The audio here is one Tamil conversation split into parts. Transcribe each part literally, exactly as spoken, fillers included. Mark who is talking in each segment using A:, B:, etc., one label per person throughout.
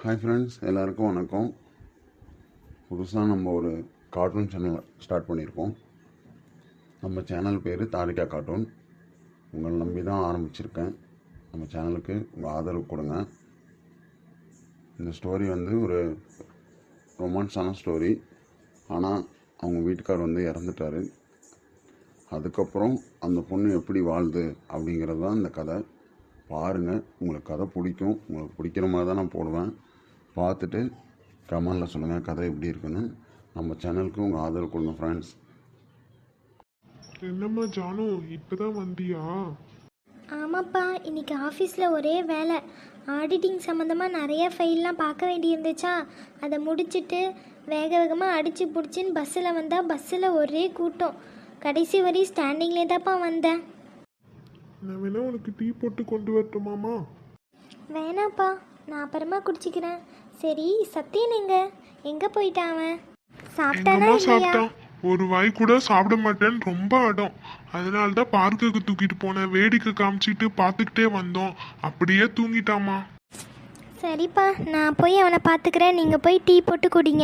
A: ஹாய் ஃப்ரெண்ட்ஸ், எல்லாருக்கும் வணக்கம். புதுசாக நம்ம ஒரு கார்ட்டூன் சேனல் ஸ்டார்ட் பண்ணியிருக்கோம். நம்ம சேனல் பேர் தாரிகா கார்ட்டூன். உங்களை நம்பி தான் ஆரம்பிச்சிருக்கேன். நம்ம சேனலுக்கு உங்கள் ஆதரவு கொடுங்க. இந்த ஸ்டோரி வந்து ஒரு ரொமான்ஸான ஸ்டோரி. ஆனால் அவங்க வீட்டுக்கார் வந்து இறந்துட்டார். அதுக்கப்புறம் அந்த பொண்ணு எப்படி வாழுது அப்படிங்கிறது தான் இந்த கதை. பாருங்கள், உங்களுக்கு கதை பிடிக்கும். உங்களுக்கு பிடிக்கிற மாதிரி தான் நான் போடுவேன். பார்த்துட்டு கமெண்டில் சொல்லுங்கள் கதை எப்படி இருக்குன்னு. நம்ம சேனலுக்கு உங்கள் ஆதரவு கொடுங்க ஃப்ரெண்ட்ஸ்.
B: என்னம்மா ஜானு, இப்போதான் வந்தியா?
C: ஆமாப்பா, இன்றைக்கி ஆஃபீஸில் ஒரே வேலை. ஆடிட்டிங் சம்மந்தமாக நிறைய ஃபைல்லாம் பார்க்க வேண்டியிருந்துச்சா, அதை முடிச்சுட்டு வேக வேகமாக அடித்து பிடிச்சின்னு பஸ்ஸில் வந்தால் பஸ்ஸில் ஒரே கூட்டம். கடைசி வரை ஸ்டாண்டிங்லே தான்ப்பா வந்தேன்.
B: நான் வேணா உனக்கு டீ போட்டு கொண்டு வரட்டுமாம்மா?
C: வேணாப்பா, நான் அப்புறமா குடிச்சிக்கிறேன். சரி, சத்தியன் எங்க எங்கே போயிட்டான்? அவன் சாப்பிட்டானா
B: எங்கம்மா
C: இல்லையா?
B: சாப்பிட்டான்? ஒரு வாய் கூட சாப்பிட மாட்டேன்னு ரொம்ப அடம். அதனால தான் பார்க்குக்கு தூக்கிட்டு போனேன். வேடிக்கை காமிச்சிட்டு பார்த்துக்கிட்டே வந்தோம். அப்படியே தூங்கிட்டாமா.
C: சரிப்பா, நான் போய் அவனை பார்த்துக்கிறேன். நீங்கள் போய் டீ போட்டு குடிங்க.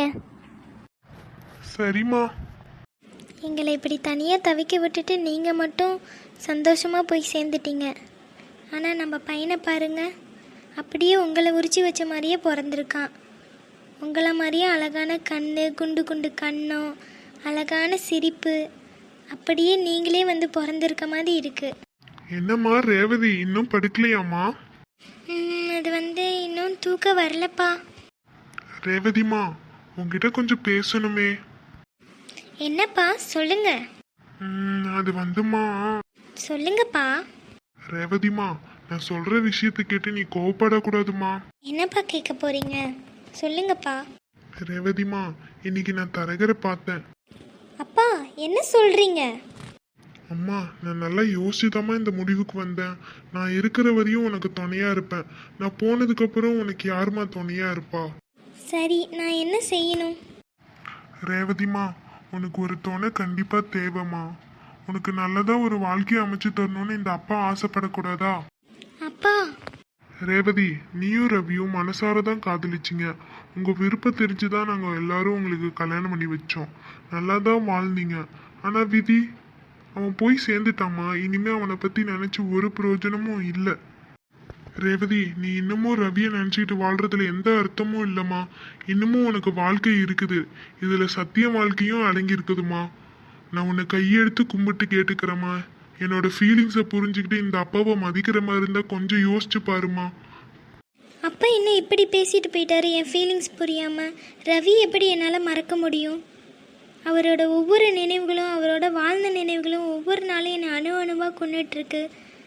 B: சரிம்மா.
C: எங்களை இப்படி தனியாக தவிக்க விட்டுட்டு நீங்கள் மட்டும் சந்தோஷமாக போய் சேர்ந்துட்டீங்க. ஆனால் நம்ம பையனை பாருங்க, அப்படியே உங்களை உரிச்சு வச்ச மாதிரியே பிறந்திருக்கான். உங்களை மாதிரியே அழகான கண், குண்டு குண்டு கண்ணம், அழகான சிரிப்பு, அப்படியே நீங்களே வந்து பிறந்திருக்க மாதிரி இருக்கு.
B: என்னம்மா ரேவதி, இன்னும் படுக்கலையாம்மா?
C: ம், அது வந்து இன்னும் தூக்கம் வரலப்பா.
B: ரேவதிமா, உங்ககிட்ட கொஞ்சம் பேசணுமே.
C: என்னப்பா, சொல்லுங்க.
B: ம், அது வந்துமா.
C: சொல்லுங்கப்பா.
B: ரேவதிமா, நான் சொல்ற விஷயத்தை கேட்டு நீ கோவப்படக்கூடாதுமா.
C: என்னப்பா கேட்க போறீங்க? சொல்லுங்கப்பா.
B: ரேவதிமா, இன்னைக்கு நான் தரகரை பார்த்தேன்.
C: அப்பா, என்ன சொல்றீங்க?
B: அம்மா, நான் நல்லா யோசிச்சுதாம்மா இந்த முடிவுக்கு வந்தேன். நான் இருக்கிற வரையும் உனக்கு துணையா இருப்பேன். நான் போனதுக்கு அப்புறம் உனக்கு யாருமா துணையா இருப்பா?
C: சரி, நான் என்ன செய்யணும்?
B: ரேவதிமா, உனக்கு ஒரு துணை கண்டிப்பா தேவைம்மா. உனக்கு நல்லதா ஒரு வாழ்க்கையை அமைச்சு தரணும்னு இந்த அப்பா ஆசைப்படக்கூடாதா?
C: அப்பா.
B: ரேவதி, நீயும் ரவியும் மனசார தான் காதலிச்சிங்க. உங்க விருப்பம் தெரிஞ்சுதான் நாங்க எல்லாரும் உங்களுக்கு கல்யாணம் பண்ணி வச்சோம். நல்லா தான் வாழ்ந்தீங்க. ஆனா விதி, அவன் போய் சேர்ந்துட்டாமா. இனிமே அவனை பத்தி நினைச்சு ஒரு பிரயோஜனமும் இல்லை. ரேவதி, நீ இன்னமும் ரவியை நினைச்சிட்டு வாழ்றதுல எந்த அர்த்தமும் இல்லைம்மா. இன்னமும் உனக்கு வாழ்க்கை இருக்குது. இதுல சத்திய வாழ்க்கையும் அடங்கி இருக்குதுமா. நான் உன்னை கையெடுத்து கும்பிட்டு கேட்டுக்கிறேம்மா. என்னோட ஃபீலிங்ஸை புரிஞ்சுக்கிட்டு இந்த அப்பாவை மதிக்கிற மாதிரி இருந்தா கொஞ்சம் யோசிச்சு பாருமா.
C: அப்பா என்ன இப்படி பேசிட்டு போயிட்டாரு என் ஃபீலிங்ஸ் புரியாம? ரவி எப்படி என்னால் மறக்க முடியும்? அவரோட ஒவ்வொரு நினைவுகளும், அவரோட வாழ்ந்த நினைவுகளும் ஒவ்வொரு நாளும் என்னை அணு அணுவாக கொண்டுட்ருக்கு.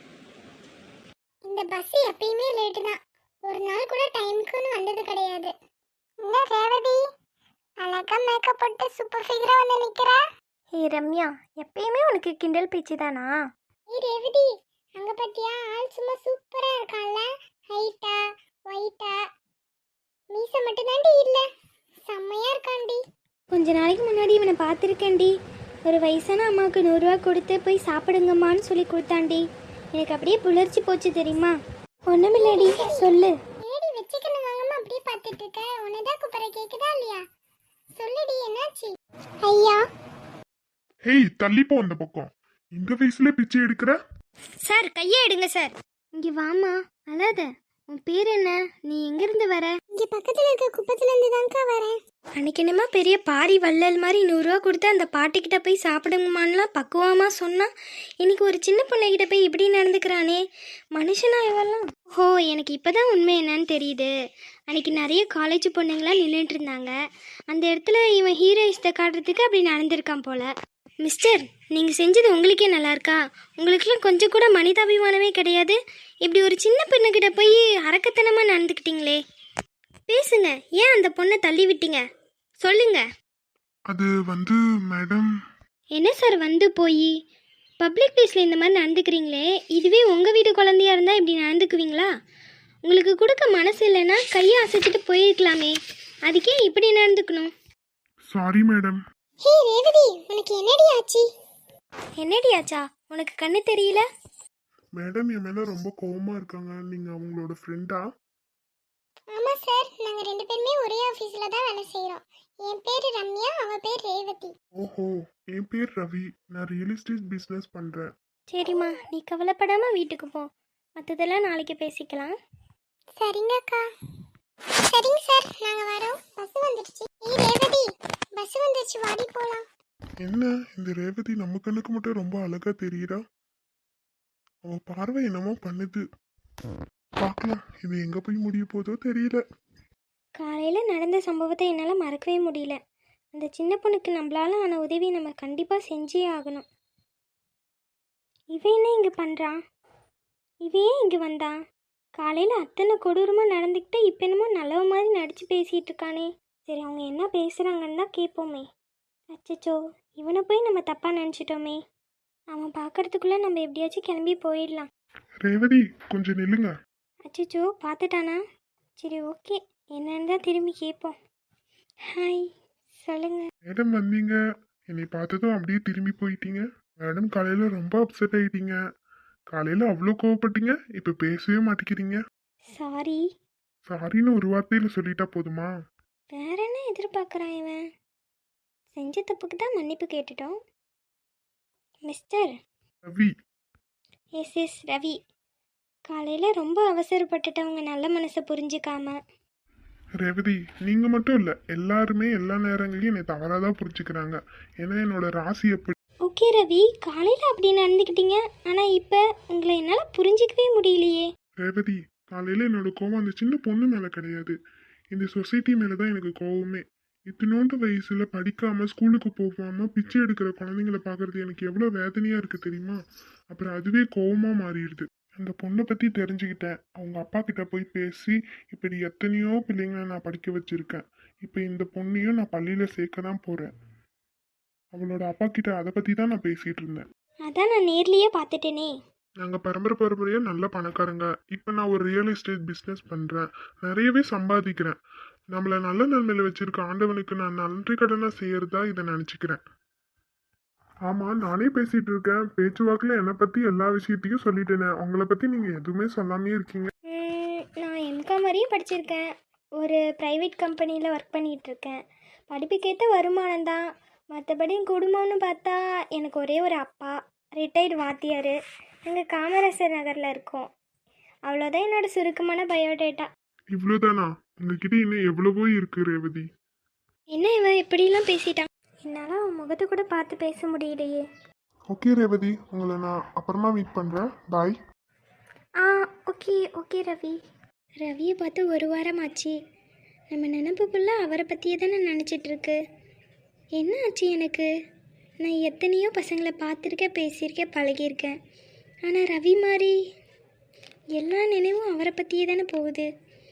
D: இந்த பஸ் எப்பயுமே லேட்டு தான். ஒரு நாள் கூட டைமுக்குன்னு வந்தது கிடையாது. என்ன ரேவதி, அழகா மேக்கப் போட்டு சூப்பர் ஃபிகரா வந்து நிக்கிறா.
C: ஏ ரம்யா, எப்பயுமே உனக்கு கிண்டல் பேச்சு தானா?
D: ஏய் ரேவதி, அங்க பாத்தியா, ஆள் சும்மா சூப்பரா இருக்கான்ல. ஹைட்டா ஒயிட்டா, மீச மட்டும் தாண்டி இல்ல, செம்மையா இருக்காண்டி.
C: கொஞ்ச நாளைக்கு முன்னாடி இவனை பார்த்துருக்கேன்டி. ஒரு வயசான அம்மாவுக்கு நூறுரூவா கொடுத்து போய் சாப்பிடுங்கம்மான்னு சொல்லி கொடுத்தாண்டி. எனக்கு அப்படியே புலர்ச்சி போச்சு தெரியுமா? ஒன்றுமில்லடி, சொல்லு.
D: ஏடி வச்சுக்கணும் வாங்கம்மா அப்படியே பார்த்துட்டு இருக்க? உன்னதான் கூப்பிட கேக்குதா இல்லையா? சொல்லுடி, என்னாச்சு? ஐயா.
B: ஹேய், தள்ளிப்போ அந்த பக்கம். இந்த வயசுல பிச்சை எடுக்கிற?
C: சார், கையை எடுங்க சார். இங்கே வாமா, அழாத. உன் பேர் என்ன? நீ எங்கேருந்து வர?
D: இங்க பக்கத்துல இருக்க குப்பத்துல இருந்து தான்க்கா வரேன்.
C: அன்னைக்கு என்னமா பெரிய பாரி வள்ளல் மாதிரி நூறுரூவா கொடுத்து அந்த பாட்டிக்கிட்ட போய் சாப்பிடுங்கம்மான்லாம் பக்குவமாக சொன்னா, இன்னைக்கு ஒரு சின்ன பிள்ளைகிட்ட போய் இப்படி நடந்துக்கிறானே. மனுஷனா இவெல்லாம்? ஓ, எனக்கு இப்போ தான் உண்மை என்னன்னு தெரியுது. அன்னைக்கு நிறைய காலேஜ் பொண்ணுங்களாம் நின்றுட்டு இருந்தாங்க. அந்த இடத்துல இவன் ஹீரோயிஸ்ட்டை காட்டுறதுக்கு அப்படி நடந்திருக்கான் போல. மிஸ்டர், நீங்கள் செஞ்சது உங்களுக்கே நல்லா இருக்கா? உங்களுக்குலாம் கொஞ்சம் கூட மனிதாபிமானமே கிடையாது. இப்படி ஒரு சின்ன பெண்ணுக்கிட்ட போய் அரக்கத்தனமாக நடந்துக்கிட்டீங்களே. பேசுங்க, ஏன் அந்த பொண்ணை தள்ளி விட்டீங்க? சொல்லுங்க.
B: அது வந்து மேடம்.
C: என்ன சார் வந்து போய் பப்ளிக் பிளேஸில் இந்த மாதிரி நடந்துக்கிறீங்களே? இதுவே உங்கள் வீட்டு குழந்தையா இருந்தால் இப்படி நடந்துக்குவீங்களா? உங்களுக்கு கொடுக்க மனசு இல்லைன்னா கையை அசைச்சிட்டு போயிருக்கலாமே. அதுக்கே இப்படி நடந்துக்கணும்?
B: Sorry madam.
D: ஹே ரேவதி, உனக்கு என்னடி ஆச்சு?
C: என்னடி ஆச்சா? உனக்கு கண்ணு தெரியல?
B: மேடம் என் மேல ரொம்ப கோவமா இருக்காங்க. நீங்க அவங்களோட ஃப்ரெண்டா?
D: ஆமா சார், நாங்க ரெண்டு பேருமே ஒரே ஆபீஸ்ல தான் வேலை செய்றோம். என் பேரு ரம்யா, அவ பேர் ரேவதி.
B: ஓஹோ, என் பேர் ரவி. நான் ரியல் எஸ்டேட் பிஸ்னஸ் பண்ணுறேன்.
C: சரிம்மா, நீ கவலைப்படாமல் வீட்டுக்கு போ. மற்றதெல்லாம் நாளைக்கு பேசிக்கலாம்.
D: சரிங்க அக்கா. சரிங்க சார், நாங்க வரோம். பஸ் வந்துடுச்சு. ஏய் ரேவதி, பஸ் வந்துடுச்சு, வாடி போலாம்.
B: என்ன இந்த ரேவதி நம்ம கண்ணுக்கு மட்டும் ரொம்ப அழகா தெரியுறா? அவ பார்வை என்னமோ பண்ணுது. பார்க்கலாம், இது எங்க போய் முடிய போதோ தெரியல.
C: காலையில் நடந்த சம்பவத்தை என்னால் மறக்கவே முடியல. அந்த சின்ன பொண்ணுக்கு நம்மளால ஆன உதவி நம்ம கண்டிப்பாக செஞ்சே ஆகணும். இவன் என்ன இங்கே பண்ணுறான்? இவன் ஏன் இங்கே வந்தான்? காலையில் அத்தனை கொடூரமாக நடந்துக்கிட்டு இப்போ என்னமோ நல்லவ மாதிரி நடித்து பேசிகிட்டு இருக்கானே. சரி, அவங்க என்ன பேசுகிறாங்கன்னு தான் கேட்போமே. அச்சச்சோ, இவனை போய் நம்ம தப்பாக நினச்சிட்டோமே. அவன் பார்க்கறதுக்குள்ளே நம்ம எப்படியாச்சும் கிளம்பி போயிடலாம்.
B: ரேவதி, கொஞ்சம் நில்லுங்க.
C: அச்சச்சோ, பார்த்துட்டானா? சரி, ஓகே, என்னன்னு தான் திரும்பி கேட்போம். ஹாய், சொல்லுங்கள்.
B: மேடம் வந்தீங்க, என்னை பார்த்ததும் அப்படியே திரும்பி போயிட்டீங்க. மேடம் காலையில ரொம்ப அப்செட் ஆயிட்டீங்க. காலையில அவ்வளோ கோவப்பட்டீங்க, இப்போ பேசவே மாட்டேங்கிறீங்க.
C: சாரி.
B: சாரின்னு ஒரு வார்த்தையில சொல்லிட்டா போதுமா?
C: வேற என்ன எதிர்பார்க்குறான் இவன்? செஞ்ச தப்புக்கு தான் மன்னிப்பு கேட்டுட்டோம். Mister.
B: Ravi.
C: Yes yes Ravi. காலையில் ரொம்ப அவசரப்பட்டுட்டவங்க நல்ல மனசை புரிஞ்சுக்காம.
B: ரேவதி, நீங்க மட்டும் இல்ல, எல்லாருமே எல்லா நேரங்களையும் என்னை தவறாதான் புரிஞ்சுக்கிறாங்க. ஏன்னா என்னோட ராசி எப்படி.
C: ஓகே ரவி, காலையில் அப்படி நடந்துக்கிட்டீங்க, ஆனால் இப்போ உங்களை என்னால் புரிஞ்சிக்கவே முடியலையே.
B: ரேவதி, காலையில என்னோட கோவம் அந்த சின்ன பொண்ணு மேல கிடையாது, இந்த சொசைட்டி மேலதான் எனக்கு கோவமே. இத்தினோண்டு வயசுல படிக்காம ஸ்கூலுக்கு போகாம பிச்சை எடுக்கிற குழந்தைங்களை பார்க்கறது எனக்கு எவ்வளவு வேதனையா இருக்கு தெரியுமா? அப்புறம் அதுவே கோவமா மாறிடுது. அந்த பொண்ணை பத்தி தெரிஞ்சுக்கிட்டேன். அவங்க அப்பா கிட்ட போய் பேசி இப்படி எத்தனையோ பிள்ளைங்களை நான் படிக்க வச்சிருக்கேன். இப்போ இந்த பொண்ணையும் நான் பள்ளியில சேர்க்க தான் போறேன். அவளோட அப்பா கிட்ட அதை பத்தி தான் நான் பேசிட்டு இருந்தேன்.
C: அதான் நான் நேர்லேயே பார்த்துட்டேனே.
B: நாங்க பரம்பரை பரம்பரையா நல்ல பணக்காரங்க. இப்போ நான் ஒரு ரியல் எஸ்டேட் பிஸ்னஸ் பண்றேன், நிறையவே சம்பாதிக்கிறேன். நம்மள நல்ல நன்மையில வச்சிருக்க ஆண்டவனுக்கு நான் நன்றி கடனா செய்யறதா இதை நினைச்சுக்கிறேன். ஆமா, நானே பேசிட்டு இருக்கேன். பேச்சுவாக்குல என்னை பத்தி எல்லா விஷயத்தையும் சொல்லிட்டேனே, உங்களை பத்தி நீங்க எதுவுமே சொல்லாமே இருக்கீங்க.
C: ம், நான் எம்காம் வரையும் படிச்சிருக்கேன். ஒரு ப்ரைவேட் கம்பெனியில் ஒர்க் பண்ணிகிட்ருக்கேன். படிப்புக்கேற்ற வருமானம் தான். மற்றபடி குடும்பம்னு பார்த்தா எனக்கு ஒரே ஒரு அப்பா, ரிட்டையர்டு வாத்தியார். நாங்கள் காமராசர் நகரில் இருக்கோம். அவ்வளோதான் என்னோட சுருக்கமான பயோடேட்டா.
B: இவ்வளவுதானா? உங்ககிட்ட இன்னும் எவ்வளவோ இருக்கு ரேவதி.
C: என்ன இவன் இப்படிலாம் பேசிட்டான்? என்னால் அவன் முகத்தை கூட பார்த்து பேச முடியலையே.
B: ஓகே ரேவதி, உங்களை நான் அப்புறமா மீட் பண்றேன். பாய்.
C: ஆ, ஓகே ஓகே ரவி. ரவியை பார்த்து ஒரு வாரம் ஆச்சு. நம்ம நினப்பு ஃபுல்லாக அவரை பற்றியே தானே நினச்சிட்ருக்கு. என்ன ஆச்சு எனக்கு? நான் எத்தனையோ பசங்களை பார்த்துருக்கேன், பேசியிருக்கேன், பழகியிருக்கேன். ஆனால் ரவி மாதிரி எல்லா நினைவும் அவரை பற்றியே தானே போகுது.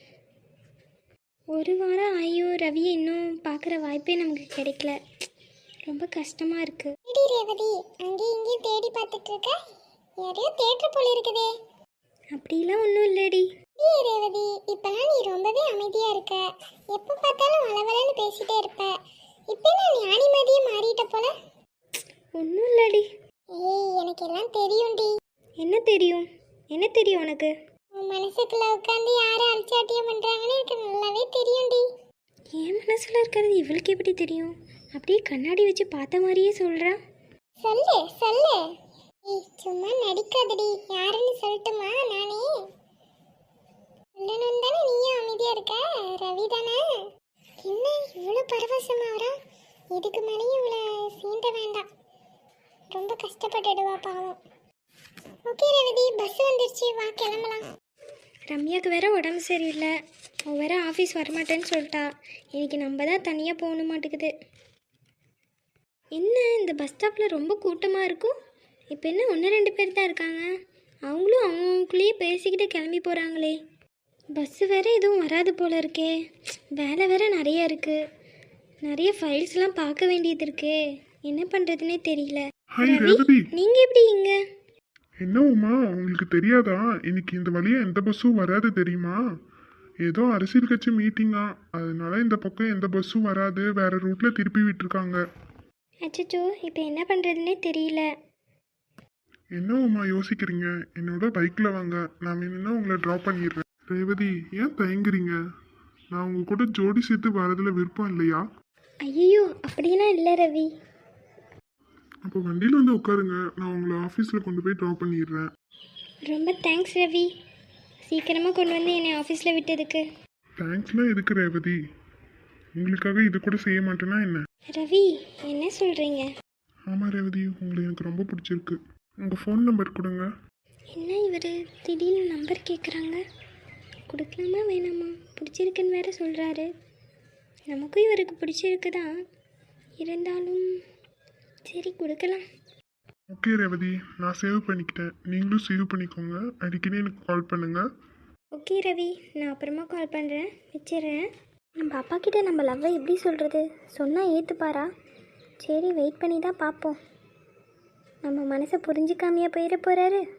C: ஒரு வாரம் ஆகியும் ரவியை இன்னும் பார்க்குற வாய்ப்பே நமக்கு கிடைக்கல. ரொம்ப கஷ்டமாக இருக்குது.
D: எடி ரேவதி, அங்கேயும் இங்கேயும் தேடி பார்த்துட்டு இருக்க? யாரையோ தேட்டர் போல இருக்குதே.
C: அப்படிலாம் ஒன்றும் இல்லடி.
D: ஏய் ரேவதி, இப்பெல்லாம் நீ ரொம்பவே அமைதியா இருக்க. எப்போ பார்த்தாலும் வளவலன்னு பேசிட்டே இருப்ப. இப்போ நான் ஞானி மாதிரியே மாறிட்ட போல.
C: ஒன்றும் இல்லடி.
D: ஏய், எனக்கு எல்லாம் தெரியும்டி.
C: என்ன தெரியும்? என்ன தெரியும் உனக்கு?
D: உன் மனசுக்குள்ள உட்காந்து யாரும் அலட்சாட்டியம் பண்றாங்கன்னு எனக்கு நல்லாவே தெரியும்டி.
C: என் மனசில் இருக்கிறது இவளுக்கு எப்படி தெரியும்? அப்படியே கண்ணாடி வச்சு பார்த்த மாதிரியே சொல்கிறா.
D: சொல்லு சொல்லு. ஏய், சும்மா நடிக்காதடி. யாருன்னு சொல்லட்டுமா? நானே சொல்லணும் தானே நீயும் அமைதியா இருக்க. ரவி தானே? என்ன இவ்வளோ பரவசமா வரா? இதுக்கு மேலேயும் இவ்வளோ சீண்ட வேண்டாம், ரொம்ப கஷ்டப்பட்டுடுவா பாவம். ஓகே ரவி, பஸ் வந்துருச்சு, வா கிளம்பலாம்.
C: ரம்யாவுக்கு வேற உடம்பு சரியில்லை. அவள் வேற ஆஃபீஸ் வரமாட்டேன்னு சொல்லிட்டா. இன்னைக்கு நம்ம தான் தனியாக போக மாட்டேங்குது. என்ன இந்த பஸ் ஸ்டாப்பில் ரொம்ப கூட்டமாக இருக்கும். இப்போ என்ன ஒன்று ரெண்டு பேர் தான் இருக்காங்க. அவங்களும் அவங்களுக்குள்ளேயே பேசிக்கிட்டு கிளம்பி போகிறாங்களே. பஸ்ஸு வேற எதுவும் வராது போல இருக்கே. வேலை வேற நிறைய இருக்குது. நிறைய ஃபைல்ஸ்லாம் பார்க்க வேண்டியது இருக்கே. என்ன பண்ணுறதுனே தெரியல.
B: ஹாய்
C: ரவி,
B: ரேவதி.
C: நீங்கள் எப்படி இங்கே?
B: என்ன உமா, உங்களுக்கு தெரியாதா? இன்னைக்கு இந்த வழியா எந்த பஸ்ஸும் வராது தெரியுமா? ஏதோ அரசியல் கட்சி மீட்டிங்கா, அதனால இந்த பக்கம் எந்த பஸ்ஸும் வராது, வேற ரூட்ல திருப்பி விட்டுருக்காங்க.
C: அச்சச்சோ, இப்போ என்ன பண்ணுறதுனே தெரியல.
B: என்ன உமா யோசிக்கிறீங்க? என்னோட பைக்ல வாங்க, நான் வேணும்னா உங்களை ட்ராப் பண்ணிடுறேன். ரேவதி, ஏன் தயங்குறீங்க? நான் உங்க கூட ஜோடி சேர்த்து வரதுல விருப்பம் இல்லையா?
C: ஐயோ அப்படியெல்லாம் இல்லை ரவி.
B: அப்போ வண்டியில் வந்து உட்காருங்க, நான் உங்களை ஆஃபீஸில் கொண்டு போய் ட்ராப் பண்ணிடுறேன்.
C: ரொம்ப தேங்க்ஸ் ரவி, சீக்கிரமாக கொண்டு வந்து என்னை ஆஃபீஸில் விட்டதுக்கு.
B: தேங்க்ஸ்லாம் எதுக்கு ரேவதி? உங்களுக்காக இது கூட செய்ய மாட்டேன்னா என்ன?
C: ரவி என்ன சொல்கிறீங்க?
B: ஆமாம் ரேவதி, உங்களை எனக்கு ரொம்ப பிடிச்சிருக்கு. உங்கள் ஃபோன் நம்பர் கொடுங்க.
C: என்ன இவர் திடீர்னு நம்பர் கேட்குறாங்க? கொடுக்கலாமா வேணாமா? பிடிச்சிருக்குன்னு வேற சொல்கிறாரு. நமக்கும் இவருக்கு பிடிச்சிருக்கு தான், இருந்தாலும் சரி கொடுக்கலாம்.
B: ஓகே ரேவதி, நான் சேவ் பண்ணிக்கிட்டேன், நீங்களும் சேவ் பண்ணிக்கோங்க. அடிக்கடி எனக்கு கால் பண்ணுங்கள்.
C: ஓகே ரவி, நான் அப்புறமா கால் பண்ணுறேன், வச்சிடுறேன். நம்ம அப்பா கிட்ட நம்ம லவ்வை எப்படி சொல்கிறது? சொன்னால் ஏற்றுப்பாரா? சரி வெயிட் பண்ணி தான் பார்ப்போம். நம்ம மனசை புரிஞ்சுக்காமையா போயிட போகிறாரு.